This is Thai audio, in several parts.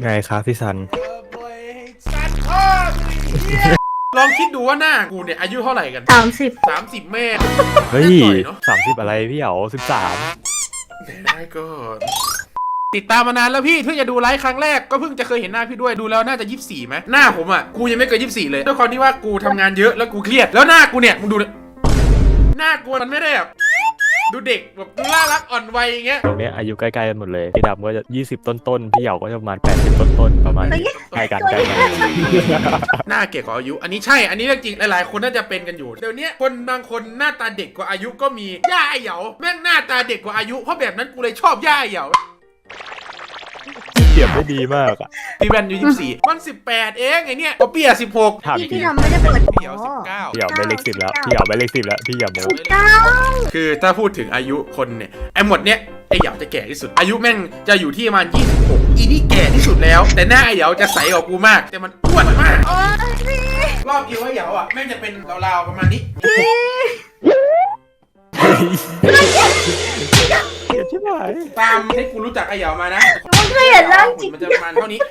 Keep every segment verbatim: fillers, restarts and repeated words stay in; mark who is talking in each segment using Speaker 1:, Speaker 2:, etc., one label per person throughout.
Speaker 1: ไงครับพี่ซัน
Speaker 2: สันพ่อลองคิดดูว่าหน้ากูเนี่ยอายุเท่าไหร่กัน
Speaker 3: สามสิบ
Speaker 2: สามสิบแม่
Speaker 1: เฮ้ย
Speaker 2: เนาะ
Speaker 1: สามสิบอะไรพี่เหรอสิบสาม
Speaker 2: ได้ก็ติดตามมานานแล้วพี่เพิ่งจะดูไลฟ์ครั้งแรกก็เพิ่งจะเคยเห็นหน้าพี่ด้วยดูแล้วน่าจะยี่สิบสี่ไหมหน้าผมอ่ะกูยังไม่เกินยี่สิบสี่เลยด้วยความที่ว่ากูทำงานเยอะแล้วกูเครียดแล้วหน้ากูเนี่ยมึงดูหน้ากูมันไม่ได้แบบดูเด็กแบบดูน่ารักอ่อนวัยอย่างเงี้ย
Speaker 1: ตรงนี้อายุใกล้ๆกันหมดเลยพี่ดำก็จะยี่สิบต้นๆพี่เหยาก็จะประมาณแปดสิบต้นๆประมาณนี้ใกล้กันใกล้กัน
Speaker 2: หน้าเก่กว่าอายุอันนี้ใช่อันนี้เรื่องจริงหลายๆคนน่าจะเป็นกันอยู่เดี๋ยวนี้คนบางคนหน้าตาเด็กกว่าอายุก็มีย่าไอเหยาแม่งหน้าตาเด็กกว่าอายุเพราะแบบนั้นกูเลยชอบย่าไอเหยา
Speaker 1: เปรียบได้ดีมากอ่ะ
Speaker 2: พี่แบนอยู่ยี่สิบสี่มันสิบแปดเองไอเนี้ยก็เปียสิบหก
Speaker 1: ถามจ
Speaker 3: พี่
Speaker 1: ริ
Speaker 3: พี่
Speaker 1: ง
Speaker 3: ทำไม่ได้เปิด
Speaker 2: พี่เหยาสิบเก้า
Speaker 1: พี่เหยาไปเลขสิบแล้วพี่เหยาไปเลขสิบแล้วพี่อย่าโม้
Speaker 3: เก้า
Speaker 2: คือถ้าพูดถึงอายุคนเนี่ยไอหมดเนี้ยไอเหยาจะแก่ที่สุดอายุแม่งจะอยู่ที่ประมาณยี่สิบหกอีนี่แก่ที่สุดแล้วแต่หน้าไอเหยาจะใสกว่ากูมากแต่มันอ้วนมาก
Speaker 3: โอ้ยพี่
Speaker 2: รอบคิวไอเหยาอ่ะแม่งจะเป็นราวๆประมาณนี้
Speaker 1: เกลียดใช่ไหม
Speaker 2: ตามให้กูรู้จักไอเหยามานะ
Speaker 3: มันเคยเห็นร่างจริง
Speaker 2: มันจะประมาณเท่านี้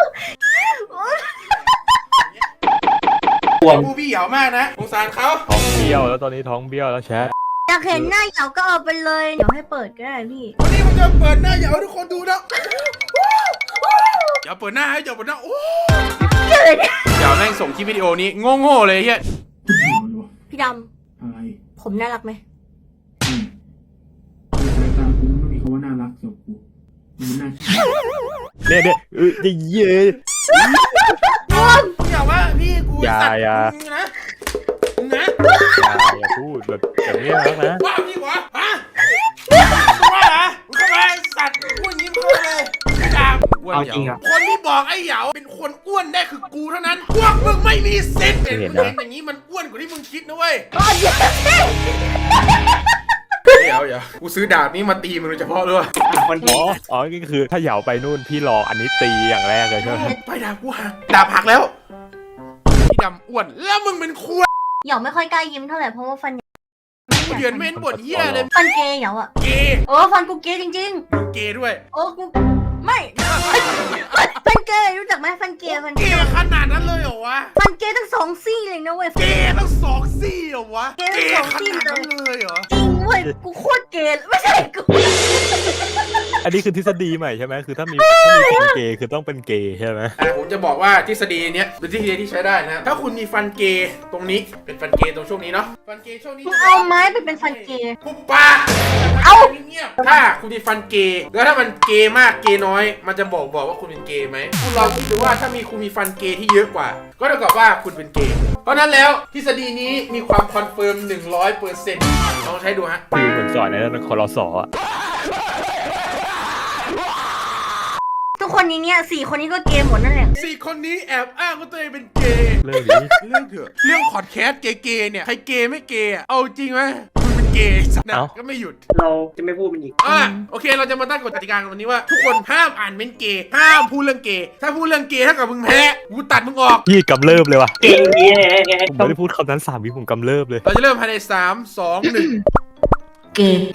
Speaker 2: กูพี่เหยามากนะสงสารเขา
Speaker 1: ท้องเบี้ยวแล้วตอนนี้ท้องเบี้ยวแล้วแชท
Speaker 3: อยากเห็นหน้าเหยาก็เอาไปเลยเดี๋ยวให้เปิดก็ได้พี่
Speaker 2: วันนี้มันจะเปิดหน้าเหยาให้ทุกคนดูนะอย่าเปิดหน้าให้อย่าเปิดหน้าโอ้เหยาแม่งส่งคลิปวิดีโอนี้โง่ๆเลยเฮีย
Speaker 3: พี่ด
Speaker 4: อะไร
Speaker 3: ำผมน่ารักไหม
Speaker 4: สายตากูไม่มีคำว่าน่ารักสำหรับกูมันน่า
Speaker 1: เนี่ยเนี่ยเออจะเย้
Speaker 2: อย่าว่าพี่กูสัตว์นะนะ
Speaker 1: อย่าพูดแบบแบบนี้นะ
Speaker 2: ว่าพี่วะฮะว่าเหรอมึงเข้ามาสัตว์พูดยิ้มเข้าเลยจ้า
Speaker 4: เอาจริงอ่ะ
Speaker 2: คนที่บอกไอ้เหยาเป็นคนอ้วนได้คือกูเท่านั้นพวกมึงไม่มีเซ็ตเห็นอย่างนี้มันอ้วนกว่าที่มึงคิดนะเว้ยเดี๋ยวเดี๋ยวกูซื้อดาบนี้มาตีมึงโดยเฉพาะด้วย
Speaker 1: มันอ๋ออ๋อนี่คือถ้าเหยาไปนู่นพี่รออันนี้ตีอย่างแรกเลยใช่ไหม
Speaker 2: ไปดาบกูหักดาบหักแล้วพี่ดำอ้วนแล้วมึงเป็นควาย
Speaker 3: เหยาไม่ค่อยกล้ายิ้มเท่าไหร่เพราะว่าฟัน
Speaker 2: กูเดือนเม้นบทเหี้ยเลย
Speaker 3: ฟันเกย์เหยาอะ
Speaker 2: เกย์
Speaker 3: โอ้ฟันกูเกย์จริง
Speaker 2: ๆมึงเกย์ด้วย
Speaker 3: โอ้กูไม่ฟันเกย์รู้จักไหมฟันเกย์ฟัน
Speaker 2: เกย์ขนาดนั้นเลยเหรอวะ
Speaker 3: ฟันเกย์ทั้งสองซี่เลยนะเว้ย
Speaker 2: เกย์ทั้งสองซี่เหรอวะ
Speaker 3: เกย์ทั้งสองซี่
Speaker 2: เลยเหรอ
Speaker 3: จริงเว้ยกูโคตรเกย์ไม่ใช่กู
Speaker 1: อันนี้คือทฤษฎีใหม่ใช่ไหมคือถ้ามีถ้ามีคนเกย์คือต้องเป็นเกย์ใช่ไหม
Speaker 2: ผมจะบอกว่าทฤษฎีเนี้ยเป็นทฤษฎีที่ใช้ได้นะถ้าคุณมีฟันเกย์ตรงนี้เป็นฟันเกย์ตรงช่วงนี้เนาะฟันเกย์ช่วงนี้
Speaker 3: เอาไม้ไปเป็นฟันเกย์
Speaker 2: ปุ๊บปาเอาเงียบถ้าคุณมีฟันเกย์แล้วถ้ามันเกย์มากเกย์น้อยมันจะบอกบอกว่าคุณเป็นเกย์ไหมคุณลองคิดดูว่าถ้ามีคุณมีฟันเกย์ที่เยอะกว่าก็เท่ากับว่าคุณเป็นเกย์เพราะนั้นแล้วทฤษฎีนี้มีความคอนเฟิร์มหนึ่งร้อยเปอร์เซ็นต์ลองใช้ดูฮะ
Speaker 1: คือเหมือนสอนในนั้นคอรสอ่ะ
Speaker 3: ทุกคนนี้เนี่ยสี่คนนี้ก็เกย์หมดนั่นแหละ
Speaker 2: สี่คนนี้แอบอ้างว่าตัวเองเป็นเกย์
Speaker 1: เรื่องนี้
Speaker 2: เรื่องเถอะเรื่องพอดแคสต์เกย์เนี่ยใครเกย์ไม่เกย์เอาจริงไหมคุณเป็นเกย์สัตว์นะก็ไม่หยุด
Speaker 4: เราจะไม่พูดมันอีก
Speaker 2: อ่ะโอเคเราจะมาตั้งกฎกติกากันวันนี้ว่าทุกคนห้ามอ่านเม้นเกย์ห้ามพูดเรื่องเกย์ถ้าพูดเรื่องเกย์ถ้ากับมึงแพ้กูตัดมึงออก
Speaker 1: พี่กำเริบเลยว่ะ
Speaker 4: เก่งเงี้ย
Speaker 1: ผมไม่ได้พูดคำนั้นสามวิผมกำเริบเลย
Speaker 2: เราจะเริ่มภายในสามสองหนึ่ง
Speaker 3: เกย์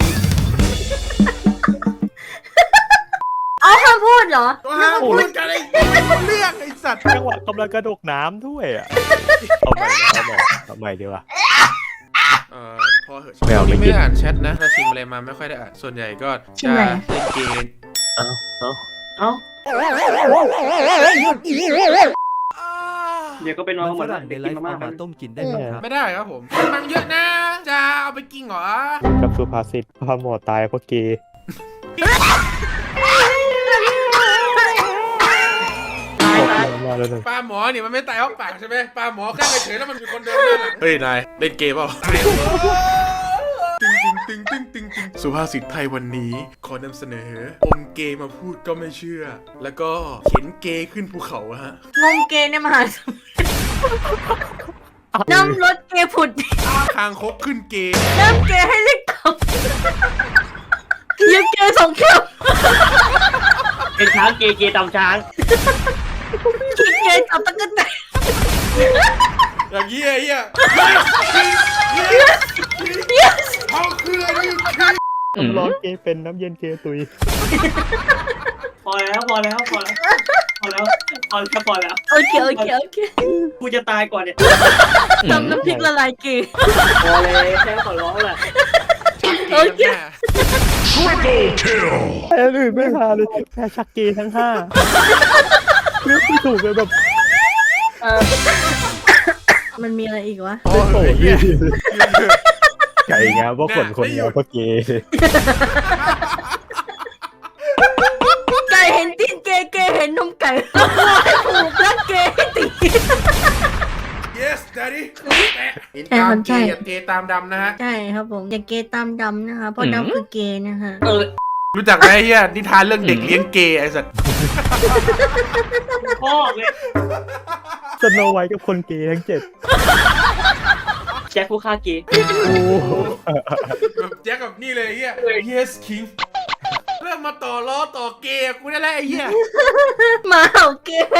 Speaker 3: เอาห้ามพูดเหรอ
Speaker 2: ห้ามพูดกันไอ้เรื่องไอ้สัตว์
Speaker 1: จังหวะกำลังกระโดดน้ำด้วยอ่ะเอาใหม่เอาใหม่เอาใหม่ดีกว่า
Speaker 2: เอ่อพอเหอะไม่เอาไม่ได้อ่านแชทนะถ้าชิมอะไรมาไม่ค่อยได้อ่านส่วนใหญ่ก็จะเล่นเกม
Speaker 1: เอาเอา
Speaker 4: เอาเดี๋ยวก็ไปนอนเหมือนกันไปกินมาม่ามา
Speaker 1: ต้มกินได้ไหมครับ
Speaker 2: ไม่ได้ครับผมมันเยอะนะจะเอาไปกินเหรอ
Speaker 1: กับสุภาษิตพาหมอตายเพราะเกย์
Speaker 2: ปลาหมอเนี่ยมันไม่ตายเพราะปากใช่ไหมปลาหมอแค่ไปเฉยแล้วมันมีคนเดินด้านหลังเฮ้ยนายเล่นเกมเปล่าตึงตึงตึงตึงตึงตึงสุภาษิตไทยวันนี้ขอนำเสนออมเกย์มาพูดก็ไม่เชื่อแล้วก็เข็นเกย์ขึ้นภูเขาฮะ
Speaker 3: งมเกย์ในมหาสมุทรน้ำรถเกย์ผุด
Speaker 2: คางคกขึ้นเกย์
Speaker 3: น้ำเกย์ให้เล็กตับเย็บเกย์สองแก้ว
Speaker 4: เป็นช้างเกย์เกย์ตำช้าง
Speaker 3: ขี้เกย์จับตะกั่นแต่
Speaker 2: อย่างเงี้ยเงี้ยเขาคืออะไร
Speaker 1: ร้อนเกย์เป็นน้ำเย็นเกย์ตุย
Speaker 5: พอแล้วพอแล้วพอแล้วพอแล้วพอแล้วพอแล้ว
Speaker 3: โอเคโอเคโอเค
Speaker 5: กูจะตายก่อนเนี่ย
Speaker 3: ทำน้ำพริกละลายเกย์
Speaker 5: พอเลยแค่ขอร้องแหละ
Speaker 3: โอเค
Speaker 1: แพ้อื่นไม่พาเลยแพ้ชักเกย์ทั้งห้าเลือกไม่ถูกเลยแบบ
Speaker 3: มันมีอะไรอีกวะ
Speaker 2: โอ้โหเหี้ย
Speaker 1: ไก่งามเพราะขนคนงามเพราะเกย์
Speaker 3: ไก่เห็นตีนเกย์เกย์เห็นนมไก่แล้ววัวให้ถูกแล้วเกย์ให้ตี
Speaker 2: yes daddy เห็น
Speaker 3: ใช่
Speaker 2: ตา
Speaker 3: ครั
Speaker 2: ม
Speaker 3: บ
Speaker 2: เก
Speaker 3: ใช่
Speaker 2: ย์กับเกย์ตามดำนะฮะ
Speaker 3: ใช่ครับผมอย่าเกย์ตามดำนะคะเพราะดำคือเกย์นะคะ
Speaker 5: เออ
Speaker 2: รู้จักไหมไอ้เฮียนิทานเรื่องเด็กเลี้ยงเกย์ไอ้สัตว์
Speaker 5: พ่อเลย
Speaker 1: สโนไวท์กับคนเกย์ทั้งเจ็ด
Speaker 5: แจ็คผู้ฆ่าเกย์
Speaker 1: โอ้
Speaker 2: แบบแจ็คกับนี่เลยไอ้เฮีย yes king เริ่มมาต่อล้อต่อเกย์กูได้แล้วไอ้เฮีย
Speaker 3: หมาเห่าเกย์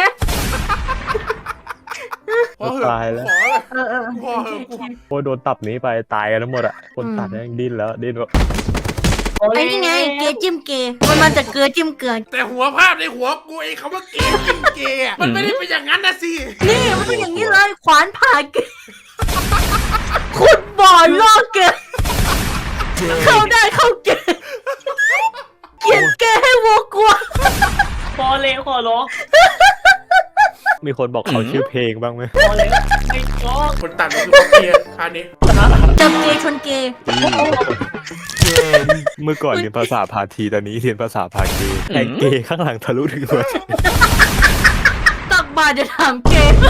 Speaker 2: พอเหอะ
Speaker 1: ตายแล้ว
Speaker 2: ขอเลย
Speaker 3: เออเออ
Speaker 2: พอเหอะกู
Speaker 1: โอ้โดนตับนี้ไปตายกันทั้งหมดอ่ะคนตัดแม่งดิ้นแล้วดิ้นแบบ
Speaker 3: ไอ้นี่ไงเกย์จิ้มเกย์มันมาจากเกลือจิ้มเกลือ
Speaker 2: แต่หัวภาพในหัวกูไอ้คำว่าเกย์กินเกย์อะมันไม่ได้เป็นอย่างนั้นนะสิ
Speaker 3: นี่มันเป็นอย่างนี้เลยขวานผ่าเกย์ขุดบ่อล่อเกย์เข้าได้เข้าเกย์เขียนเกย์ให้วัวกลัว
Speaker 5: พอเลยขอร้อง
Speaker 1: มีคนบอกเขาชื่อเพลงบ้างไหม
Speaker 5: พอเลยไม่ร้อง
Speaker 2: คนตัดมันคือเขาเกย์อันนี้
Speaker 3: จับเกย์ชนเกย์
Speaker 1: เมื่อก่อนเรียนภาษาพาทีตอนนี้เรียนภาษาพาเกย์แต่เกย์ข้างหลังทะลุถึงหัวใจ
Speaker 3: ตักบาตรจะถามเกย์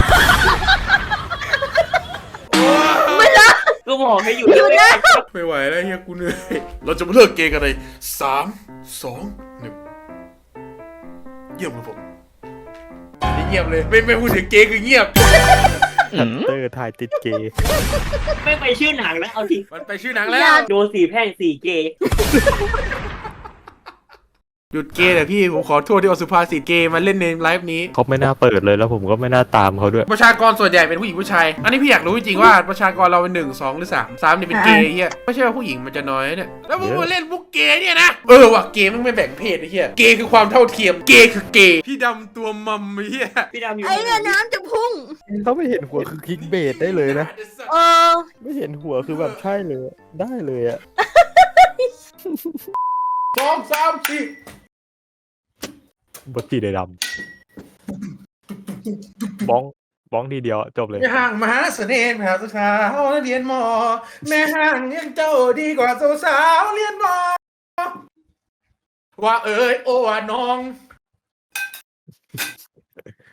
Speaker 3: ไม่ได้
Speaker 5: กูบอกให้อยู่
Speaker 3: อยู่นะ
Speaker 2: ไม่ไหวแล้วเฮียกูเหนื่อยเราจะมาเลิกเกย์กันเลยสามสองหนึ่งเยี่ยมครับผมนี่เงียบเลยไม่ไม่พูดถึงเกย์คือเงียบ
Speaker 1: ฮันเตอร์ทายติดเกย์
Speaker 5: ไม่ไปชื่อหนังแล้วเอาที
Speaker 2: มันไปชื่อหนังแล้ว
Speaker 5: โดนสี่แพร่งสี่เกย์
Speaker 2: หยุดเกย์แต่พี่ผมขอโทษที่เอาสุภาษิตเกย์มาเล่นในไลฟ์นี้
Speaker 1: เขาไม่น่าเปิดเลยแล้วผมก็ไม่น่าตามเขาด้วย
Speaker 2: ประชากรส่วนใหญ่เป็นผู้หญิงผู้ชาย อันนี้พี่อยากรู้จริงๆว่าประชากรเราเป็นหนึ่งสองหรือสามสามเนี่ยเป็นเกย์เฮียไม่ใช่ว่าผู้หญิงมันจะน้อยเนี่ยแล้วมึงมาเล่นมุกเกย์เนี่ยนะเออว่ะเกย์มันไม่แบ่งเพศไอ้เฮียเกย์คือความเท่าเทียมเกย์คือเกย์พี่ดำตัวมัมไอ้เฮีย
Speaker 5: พี่ดำอยู่
Speaker 3: ไอ้เนี่ยน้ำจะพุ่ง
Speaker 1: เขาไม่เห็นหัวคือคลิกเบสได้เลยนะ
Speaker 3: เออ
Speaker 1: ไม่เห็นหัวคือแบบใช่เลยได้เลยอะ
Speaker 2: สองสามสี่
Speaker 1: บทีได้ดำบ้องบ้องทีเดียวจบเลย
Speaker 2: แม่ห้างมหาเสน่ห์มหาสาวเรียนมอแม่ห้างเรียนเจ้าดีกว่าสาวๆเรียนมอว่าเอ้ยโอ้ว่าน้อง